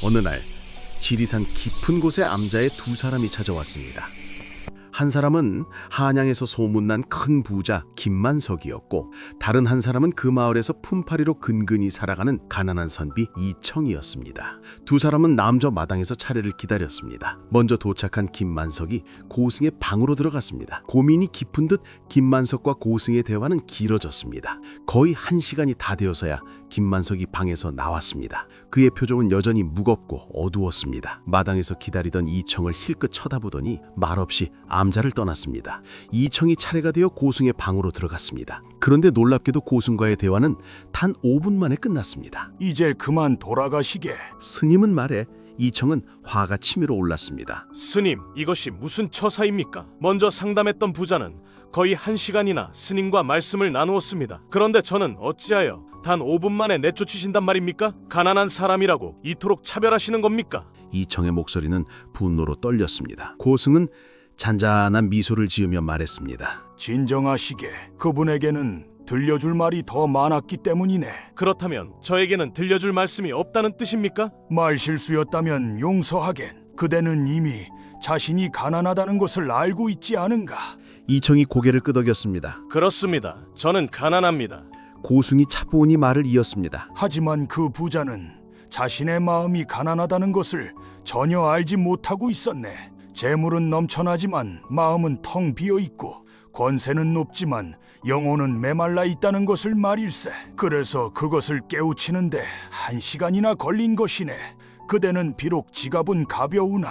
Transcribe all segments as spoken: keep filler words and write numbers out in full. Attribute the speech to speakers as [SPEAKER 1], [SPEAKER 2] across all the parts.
[SPEAKER 1] 어느 날 지리산 깊은 곳에 암자의 두 사람이 찾아왔습니다. 한 사람은 한양에서 소문난 큰 부자 김만석이었고, 다른 한 사람은 그 마을에서 품팔이로 근근히 살아가는 가난한 선비 이청이었습니다. 두 사람은 남저 마당에서 차례를 기다렸습니다. 먼저 도착한 김만석이 고승의 방으로 들어갔습니다. 고민이 깊은 듯 김만석과 고승의 대화는 길어졌습니다. 거의 한 시간이 다 되어서야 김만석이 방에서 나왔습니다. 그의 표정은 여전히 무겁고 어두웠습니다. 마당에서 기다리던 이청을 힐끗 쳐다보더니 말없이 암자를 떠났습니다. 이청이 차례가 되어 고승의 방으로 들어갔습니다. 그런데 놀랍게도 고승과의 대화는 단 오 분 만에 끝났습니다.
[SPEAKER 2] 이제 그만 돌아가시게.
[SPEAKER 1] 스님은 말해 이청은 화가 치밀어 올랐습니다.
[SPEAKER 3] 스님, 이것이 무슨 처사입니까? 먼저 상담했던 부자는 거의 한 시간이나 스님과 말씀을 나누었습니다. 그런데 저는 어찌하여 단 오 분 만에 내쫓으신단 말입니까? 가난한 사람이라고 이토록 차별하시는 겁니까?
[SPEAKER 1] 이청의 목소리는 분노로 떨렸습니다. 고승은 잔잔한 미소를 지으며 말했습니다.
[SPEAKER 2] 진정하시게. 그분에게는 들려줄 말이 더 많았기 때문이네.
[SPEAKER 3] 그렇다면 저에게는 들려줄 말씀이 없다는 뜻입니까?
[SPEAKER 2] 말 실수였다면 용서하겐. 그대는 이미 자신이 가난하다는 것을 알고 있지 않은가?
[SPEAKER 1] 이청이 고개를 끄덕였습니다.
[SPEAKER 3] 그렇습니다. 저는 가난합니다.
[SPEAKER 1] 고승이 차분히 말을 이었습니다.
[SPEAKER 2] 하지만 그 부자는 자신의 마음이 가난하다는 것을 전혀 알지 못하고 있었네. 재물은 넘쳐나지만 마음은 텅 비어 있고, 권세는 높지만 영혼은 메말라 있다는 것을 말일세. 그래서 그것을 깨우치는데 한 시간이나 걸린 것이네. 그대는 비록 지갑은 가벼우나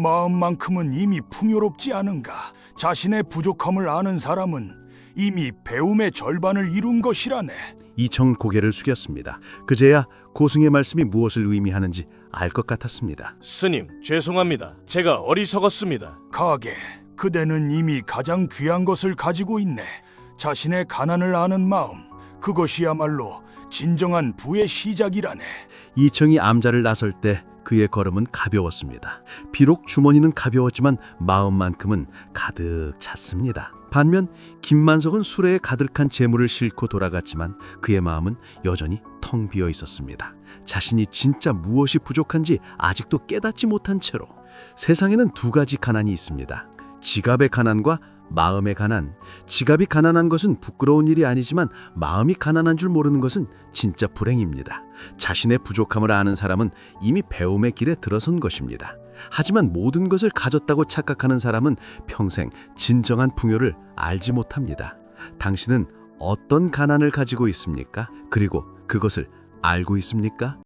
[SPEAKER 2] 마음만큼은 이미 풍요롭지 않은가? 자신의 부족함을 아는 사람은 이미 배움의 절반을 이룬 것이라네.
[SPEAKER 1] 이청 고개를 숙였습니다. 그제야 고승의 말씀이 무엇을 의미하는지 알 것 같았습니다.
[SPEAKER 3] 스님, 죄송합니다. 제가 어리석었습니다.
[SPEAKER 2] 가게, 그대는 이미 가장 귀한 것을 가지고 있네. 자신의 가난을 아는 마음, 그것이야말로 진정한 부의 시작이라네.
[SPEAKER 1] 이청이 암자를 나설 때 그의 걸음은 가벼웠습니다. 비록 주머니는 가벼웠지만 마음만큼은 가득 찼습니다. 반면 김만석은 수레에 가득한 재물을 싣고 돌아갔지만 그의 마음은 여전히 텅 비어 있었습니다. 자신이 진짜 무엇이 부족한지 아직도 깨닫지 못한 채로. 세상에는 두 가지 가난이 있습니다. 지갑의 가난과 마음의 가난. 지갑이 가난한 것은 부끄러운 일이 아니지만 마음이 가난한 줄 모르는 것은 진짜 불행입니다. 자신의 부족함을 아는 사람은 이미 배움의 길에 들어선 것입니다. 하지만 모든 것을 가졌다고 착각하는 사람은 평생 진정한 풍요를 알지 못합니다. 당신은 어떤 가난을 가지고 있습니까? 그리고 그것을 알고 있습니까?